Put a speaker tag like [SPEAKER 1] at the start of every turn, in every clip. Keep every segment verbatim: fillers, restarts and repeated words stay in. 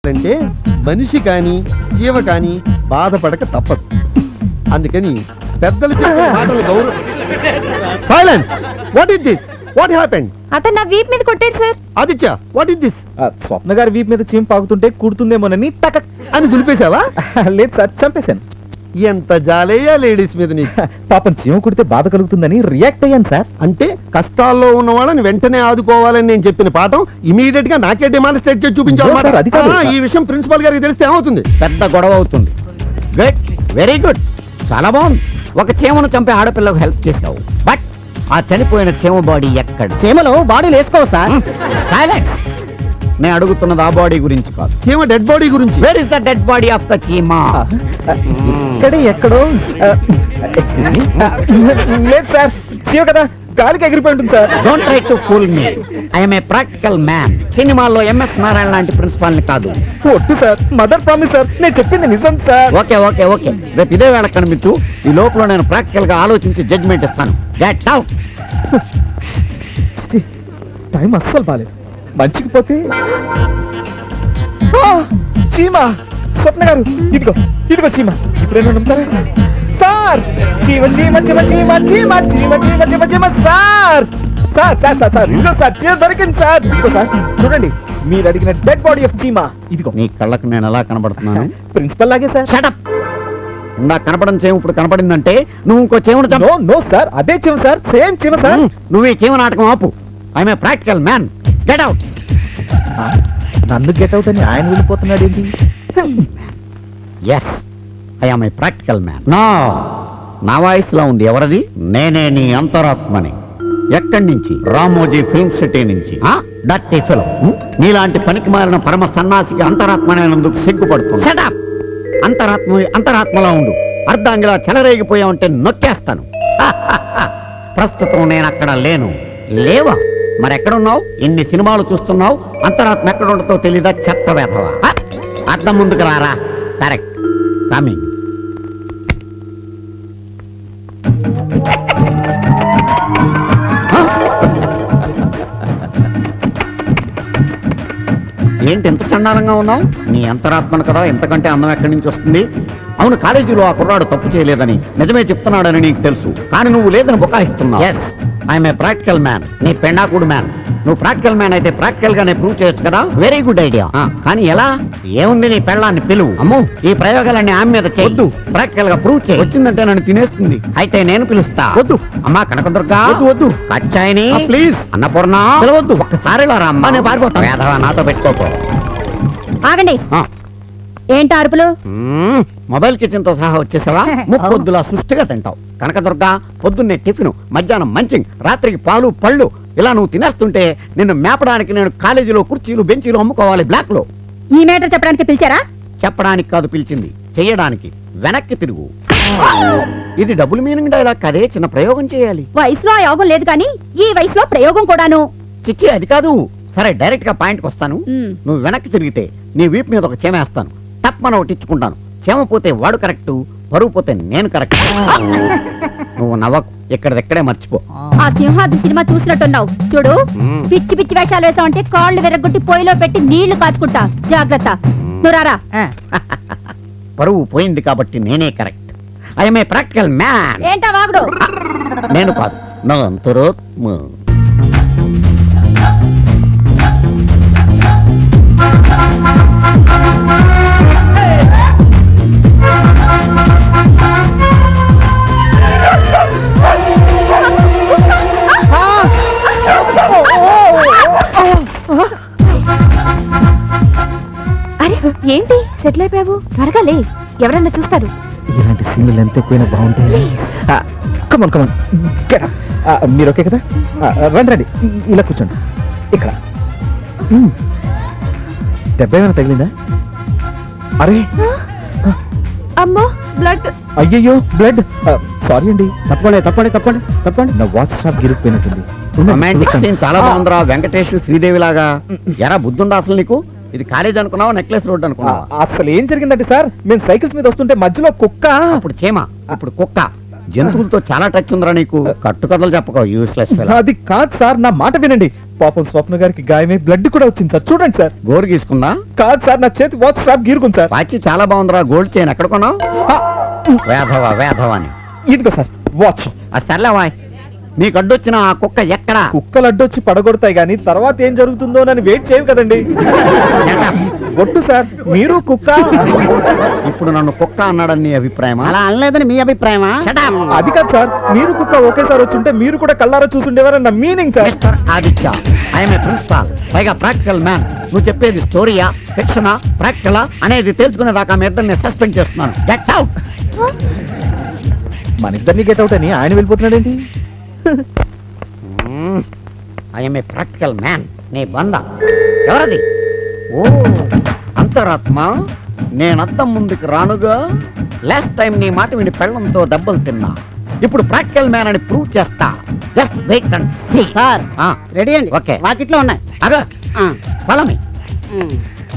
[SPEAKER 1] అంటే మనిషి కానీ జీవ కానీ బాధపడక తప్పదు. అందుకని పెద్దలు చెప్పే మాటలు గౌరవ. Silence. What is this? What happened?
[SPEAKER 2] అతను నా వీప్ మీద కొట్టాడు sir.
[SPEAKER 1] Aditya, what is this?
[SPEAKER 3] Swapna గారి వీప్ మీద చీమ పాకుతుంటే కుడుతుందేమోనని టక్
[SPEAKER 1] అని దులిపేశావా?
[SPEAKER 3] లేదు సార్, చంపేశాను.
[SPEAKER 1] ఎంత జాలేయా లేడీస్ మీద నీకు.
[SPEAKER 3] పాపం చీమ కుడితే బాధ కలుగుతుందని రియాక్ట్ అయ్యాను సార్.
[SPEAKER 1] అంటే కష్టాల్లో ఉన్న వాళ్ళని వెంటనే ఆదుకోవాలని నేను చెప్పిన పాఠం ఇమీడియట్ గా నాకే డెమాన్స్ట్రేట్ చేసి చూపించాలి.
[SPEAKER 3] సార్, అది కాదు.
[SPEAKER 1] ఈ విషయం ప్రిన్సిపల్ గారికి తెలిస్తే ఏమవుతుంది?
[SPEAKER 4] పెద్ద గొడవ అవుతుంది. గుడ్, వెరీ గుడ్, చాలా బాగుంది. ఒక చీమను చంపే ఆడపిల్లకు హెల్ప్ చేసావు. బట్ ఆ చనిపోయిన చీమ బాడీ ఎక్కడ?
[SPEAKER 3] చీమలో బాడీలు వేసుకోవు సార్.
[SPEAKER 4] సైలెన్స్. నేను అడుగుతున్నది ఆ బాడీ గురించి కాదు,
[SPEAKER 1] చీమ డెడ్ బాడీ గురించి.
[SPEAKER 4] Where is the dead body of the చీమ?
[SPEAKER 3] ఇక్కడ ఎక్కడో. లేదు సార్, చీమ కదా గాలికి ఎగిరిపోయి ఉంటుంది sir.
[SPEAKER 4] Don't try to fool me. I'm a practical man. సినిమాల్లో ఎంఎస్ నారాయణ లాంటి ప్రిన్సిపాల్ ని కాదు.
[SPEAKER 3] ఒట్టు సార్, మదర్ ప్రామిస్ సార్, నేను చెప్పింది నిజం సార్.
[SPEAKER 4] ఓకే ఓకే ఓకే, రేపు ఇదే వేళ కనిపించు. ఈ లోపల నేను ప్రాక్టికల్ గా ఆలోచించి జడ్జ్మెంట్ ఇస్తాను. Get out.
[SPEAKER 3] టైం అస్సలు బాలేదు. మంచికి పోతే చీమ. స్వప్న గారు, ఇదిగో ఇదిగో చీమ. ఇప్పుడేనా నమ్ముతారా సార్? చీమ చీమ చీమ చీమ చీమ చీమ చీమ చీమ చీమ sir. Sir sir sir sir ఇదిగో సార్, చీమ దొరికింది సార్. ఇదిగో సార్, చూడండి, మీరు అడిగిన డెడ్ బాడీ ఆఫ్ చీమ ఇదిగో.
[SPEAKER 4] నీ కళ్ళకు నేను ఎలా కనబడుతున్నాను?
[SPEAKER 3] ప్రిన్సిపల్ లాగే సార్.
[SPEAKER 4] Shut up. ఇందా కనపడని చేమ ఇప్పుడు కనపడిందంటే నువ్వు ఇంకో చీమను చంపు.
[SPEAKER 3] నో నో సార్, అదే చీమ సార్, సేమ్ చీమ సార్.
[SPEAKER 4] నువ్వు ఈ చీమ నాటకం ఆపు. I'm a practical man. Get out.
[SPEAKER 3] నన్ను గెట్ అవుట్ అని ఆయన వెళ్ళిపోతున్నాడు ఏంటి?
[SPEAKER 4] Yes, I'm a practical man. నా నా వాయిస్లో ఉంది. ఎవరది? నేనే నీ అంతరాత్మని. ఎక్కడి నుంచి? రామోజీ ఫిల్మ్ సిటీ నుంచి. Dirty film. నీలాంటి పనికి మారిన పరమ సన్నాసికి అంతరాత్మనేందుకు సిగ్గుపడుతుంది. Shut up. అంతరాత్మ అంతరాత్మలా ఉండు. అర్ధాంగిలా చెలరేగిపోయావంటే నొక్కేస్తాను. ప్రస్తుతం నేను అక్కడ లేను. లేవా? మరెక్కడున్నావు? ఇన్ని సినిమాలు చూస్తున్నావు, అంతరాత్మ ఎక్కడ ఉండతో తెలీదా? చెత్త వేధవా. అర్థం ముందుకు రారా. Correct, coming. ఏంటి ఎంత చండాలంగా ఉన్నావు? నీ అంతరాత్మను కదా, ఎంతకంటే అందం ఎక్కడి నుంచి వస్తుంది? అవును, కాలేజీలో ఆ కుర్రాడు తప్పు చేయలేదని నిజమే చెప్తున్నాడని నీకు తెలుసు, కానీ నువ్వు లేదని బుకాయిస్తున్నావు. Yes, I'm a practical man. నీ పెండాకుడు మ్యాన్. నువ్వు ప్రాక్టికల్ మ్యాన్ అయితే ప్రాక్టికల్ గానే ప్రూవ్ చేయొచ్చు కదా. Very good idea. కానీ ఎలా? ఏముంది, నీ పెళ్ళాన్ని పిలువు. అమ్మో, ఈ ప్రయోగాలన్నీ ఆమె మీద చేయొద్దు. ప్రాక్టికల్ గా ప్రూవ్ చేయి. వచ్చిందంటే నన్ను తినేస్తుంది. అయితే నేను పిలుస్తా. వద్దు అమ్మా కనకదుర్గా. వద్దు వద్దు. కచ్చాయిని ప్లీజ్. అన్నపూర్ణ పిలవద్దు. ఒక్కసారి రా అమ్మా, నేను పారిపోతాను. వేధవా, నాతో పెట్టుకోకు.
[SPEAKER 2] ఆగండి. ఏంటి అరుపులు?
[SPEAKER 4] మొబైల్ కిచెన్ తో సహా వచ్చేసావా? ముప్పొద్దులా సుష్టిగా తింటావు. కనకదుర్గా, పొద్దున్నే టిఫిన్, మధ్యాహ్నం మంచింగ్, రాత్రికి పాలు పళ్ళు, ఇలా నువ్వు తినేస్తుంటే నిన్ను మేపడానికి నేను కాలేజీలో కుర్చీలు బెంచీలు అమ్ముకోవాలి బ్లాక్ లో.
[SPEAKER 2] ఈ మేటర్ చెప్పడానికి పిలిచారా?
[SPEAKER 4] చెప్పడానికి కాదు పిలిచింది, చెయ్యడానికి. వెనక్కి తిరుగు. ఇది డబుల్ మీనింగ్ డైలాగ్ కదే, చిన్న ప్రయోగం చేయాలి.
[SPEAKER 2] వయసులో ఆ యోగం లేదు కానీ ఈ వయసులో ప్రయోగం కూడాను.
[SPEAKER 4] చిచ్చి, అది కాదు. సరే, డైరెక్ట్ గా పాయింట్కి వస్తాను. నువ్వు వెనక్కి తిరిగితే నీ వీపు మీద ఒక చీమ వేస్తాను. టప్మన ఒకటి ఇచ్చుకుంటాను. చీమ పోతే వాడు కరెక్ట్, పరువు పోతే నేను కరెక్ట్. నువ్వు నవ్వకు, ఇక్కడెక్కడే మర్చిపో.
[SPEAKER 2] ఆ సింహాద్రి సినిమా చూసినట్టున్నావు చూడు. పిచ్చి పిచ్చి వేషాలు వేసావంటే కాళ్ళు విరగొట్టి పొయ్యిలో పెట్టి నీళ్లు కాచుకుంటా. జాగ్రత్త. నువ్వు రారా.
[SPEAKER 4] పరువు పోయింది కాబట్టి నేనే correct. I'm a practical man.
[SPEAKER 2] ఏంటా వాగుడు?
[SPEAKER 4] నేను కాదు, నా అంతరాత్మ.
[SPEAKER 2] అరే ఏంటి సెటిల్ అయిపోయావు? త్వరగా లే, ఎవరన్నా చూస్తారు.
[SPEAKER 3] ఇలాంటి సీన్లు ఎంత ఎక్కువైనా బాగుంటాయి. కమన్ కమన్, మీరు ఓకే కదా? రండి రండి, ఇలా కూర్చోండి. ఇక్కడ దెబ్బ ఏమైనా తగిలిందా? అరే
[SPEAKER 2] అమ్మో, బ్లడ్.
[SPEAKER 3] అయ్యయ్యో, బ్లడ్. సారీ అండి. తప్పండి తప్పండి తప్పండి తప్పండి. నా వాచ్ స్టాప్ గిరిగిపోయినట్టుంది.
[SPEAKER 4] చాలా బాగుందిరా, వెంకటేష్ శ్రీదేవి లాగా. ఎరా బుద్ధుందా అసలు నీకు? ఇది కాలేజ్ అనుకున్నావా, నెక్లెస్ రోడ్ అనుకున్నావా?
[SPEAKER 3] అసలు ఏం జరిగిందంటే సార్, మేము సైకిల్స్ మీద వస్తుంటే మధ్యలో కుక్క.
[SPEAKER 4] అప్పుడు చీమ, అప్పుడు కుక్క. జంతువులతో చాలా టచ్ ఉందిరా నీకు. కట్టుకథలు చెప్పకో యూస్లెస్ ఫెలో.
[SPEAKER 3] అది కాదు సార్, నా మాట వినండి. పాపం స్వప్న గారికి గాయమై బ్లడ్ కూడా వచ్చింది సార్, చూడండి సార్.
[SPEAKER 4] గోరు గీసుకుందా?
[SPEAKER 3] కాదు సార్, నా చేతి వాచ్ స్ట్రాప్ గీరుకుంది సార్.
[SPEAKER 4] వాచి చాలా బాగుందిరా. గోల్డ్ చైన్ ఎక్కడ కొన్నావు?
[SPEAKER 3] ఆ,
[SPEAKER 4] వేధవా వేధవా అని.
[SPEAKER 3] ఇదిగో సార్ వాచ్.
[SPEAKER 4] అది సర్లేవాయ్, నీకు అడ్డొచ్చిన ఆ కుక్క ఎక్కడా?
[SPEAKER 3] కుక్కలు అడ్డొచ్చి పడగొడతాయి కానీ తర్వాత ఏం జరుగుతుందో అని వెయిట్ చేయవు కదండి.
[SPEAKER 4] Shut up.
[SPEAKER 3] ఒట్టు సార్, మీరు కుక్క.
[SPEAKER 4] ఇప్పుడు నన్ను కుక్క అన్నాడని నీ అభిప్రాయమా?
[SPEAKER 5] అలా అనలేదని మీ అభిప్రాయమా?
[SPEAKER 4] Shut up.
[SPEAKER 3] అది కాదు సార్, మీరు కుక్క ఒకేసారి వచ్చుంటే మీరు కూడా కళ్ళారా చూసుండేవారని నా meaning sir.
[SPEAKER 4] Mister Aditya, I'm a principal, పైగా ప్రాక్టికల్ మ్యాన్. నువ్వు చెప్పేది స్టోరీయా, ఫిక్షనా, ప్రాక్టికలా అనేది తెలుసుకునేదాకా మీ ఇద్దరిని సస్పెండ్ చేస్తున్నాను. Get out.
[SPEAKER 3] మన ఇద్దరిని గెట్ అవుట్ అని ఆయన వెళ్ళిపోతున్నాడేంటి?
[SPEAKER 4] I'm a practical man. నీ బంద ఎవరది? ఓ అంతరాత్మ, నేనద్దం ముందుకు రానుగా. లాస్ట్ టైం నీ మాట విని పెళ్ళంతో దెబ్బలు తిన్నా. ఇప్పుడు ప్రాక్టికల్ మ్యాన్ అని ప్రూవ్ చేస్తా. Just wait and see.
[SPEAKER 5] Sir
[SPEAKER 4] ఆ,
[SPEAKER 5] రెడీ అండి.
[SPEAKER 4] ఓకే.
[SPEAKER 5] వాకిట్లో ఉన్నాయి.
[SPEAKER 4] అగా
[SPEAKER 5] ఆ,
[SPEAKER 4] ఫాలో మీ.
[SPEAKER 5] ఉమ్.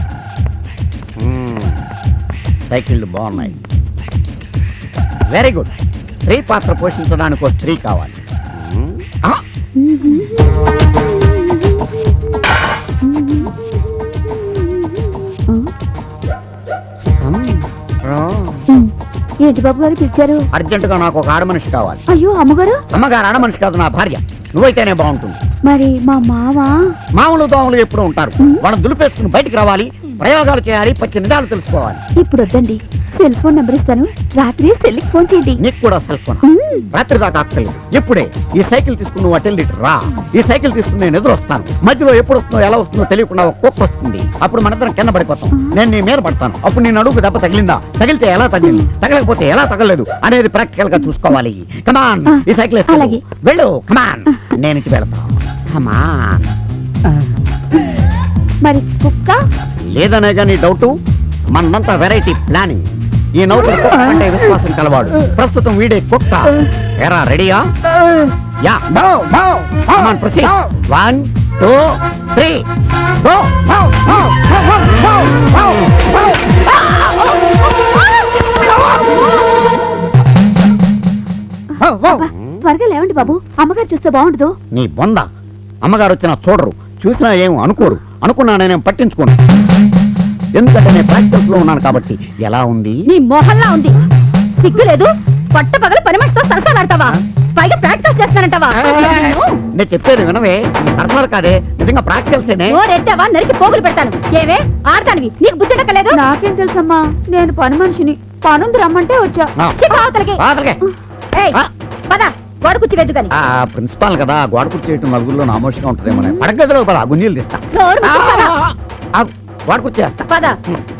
[SPEAKER 4] సైకిళ్ళు బాగున్నాయి. Very good. స్త్రీ పాత్ర పోషించడానికి ఒక స్త్రీ కావాలి. మ్మ్. ఆ, come, రా.
[SPEAKER 2] ఏంటి బాబు గారు పిలిచారు?
[SPEAKER 4] అర్జెంటుగా నాకు ఒక ఆడ మనిషి కావాలి.
[SPEAKER 2] అయ్యో అమ్మగారు,
[SPEAKER 4] అమ్మగారు ఆడ మనిషి కాదు, నా భార్య. నువ్వైతేనే బాగుంటుంది.
[SPEAKER 2] మరి మా మామ
[SPEAKER 4] మామూలు దోమలు ఎప్పుడు ఉంటారు. వాళ్ళని దులిపేసుకుని బయటికి రావాలి. ప్రయోగాలు చేయాలి, పచ్చి నిజాలు తెలుసుకోవాలి.
[SPEAKER 2] ఇప్పుడు వద్దండి, సెల్ ఫోన్ నెంబర్ ఇస్తాను, రాత్రి సెల్కి ఫోన్ చేయండి.
[SPEAKER 4] నీకు కూడా సెల్ ఫోన్?
[SPEAKER 2] మ్మ్.
[SPEAKER 4] రాత్రి దాకా అక్కర్లేదు. ఇప్పుడే ఈ సైకిల్ తీసుకుని నువ్వు అటెండ్ రా. ఈ సైకిల్ తీసుకుని నేను ఎదురు వస్తాను. మధ్యలో ఎప్పుడు వస్తుందో ఎలా వస్తుందో తెలియకుండా ఒక కుక్క వస్తుంది. అప్పుడు మనందరం కింద పడిపోతాం. నేను నీ మీద పడతాను. అప్పుడు నేను అడుగు దెబ్బ తగిలిందా, తగిలితే ఎలా తగిలింది, తగలకపోతే ఎలా తగలలేదు అనేది ప్రాక్టికల్ గా చూసుకోవాలి. కమాన్,
[SPEAKER 2] ఆ,
[SPEAKER 4] ఈ సైకిల్ వేసుకో.
[SPEAKER 2] అలాగే.
[SPEAKER 4] వెళ్ళు, కమాన్. నేను ఇంటికి వెళ్తాను. కమాన్.
[SPEAKER 2] మరి కుక్క?
[SPEAKER 4] లేదనే కానీ డౌట్. మనంతా వెరైటీ ప్లానింగ్. ఈ నౌకరు కుక్క అంటే విశ్వాసం కలవాడు. ప్రస్తుతం వీడే కుక్క. ఎరా రెడీయా? Yeah. Come on proceed. One two three go.
[SPEAKER 2] అబ్బా, త్వరగా లేవండి బాబు, అమ్మగారు చూస్తే బాగుండదు.
[SPEAKER 4] నీ బొంద. అమ్మగారు వచ్చినా చూడరు, చూసినా ఏం అనుకోరు. అనుకున్నా నేనేం పట్టించుకోను, ఎందుకంటే నేను ప్రాక్టికల్స్ లో ఉన్నాను కాబట్టి. ఎలా ఉంది?
[SPEAKER 2] నీ మొహల్లా ఉంది. సిగ్గు లేదు, పట్ట పగల పని మనిషితో సరసాలాడతావా? పైగా ప్రాక్టీస్ చేస్తానంటావా?
[SPEAKER 4] నేను చెప్పేది వినవే. సరసాలు కాదే, నిజంగా ప్రాక్టికల్సేనే.
[SPEAKER 2] ఎత్తావా నరికి పోగులు పెడతాను. ఏవే ఆడతానివి, నీకు బుద్ధి నాకేం తెలుసమ్మా, నేను పని మనిషిని. పనుంది రమ్మంటే వచ్చా.
[SPEAKER 4] ఆ.
[SPEAKER 2] సిగ్గు అవతలకి.
[SPEAKER 4] బాధలకే.
[SPEAKER 2] ఏయ్,
[SPEAKER 4] ఆ.
[SPEAKER 2] పద, గోడ కూర్చి వెద్దు గాని.
[SPEAKER 4] ఆ ప్రిన్సిపాల్ కదా, గోడ కూర్చేయటం నలుగురిలో నామోషంగా ఉంటుందేమో. పడగదిలో పద, గుంజీలు తీస్తా.
[SPEAKER 2] నోరు మూసుకు పద.
[SPEAKER 4] ఆ, గోడ కూర్చేస్తా.
[SPEAKER 2] పద.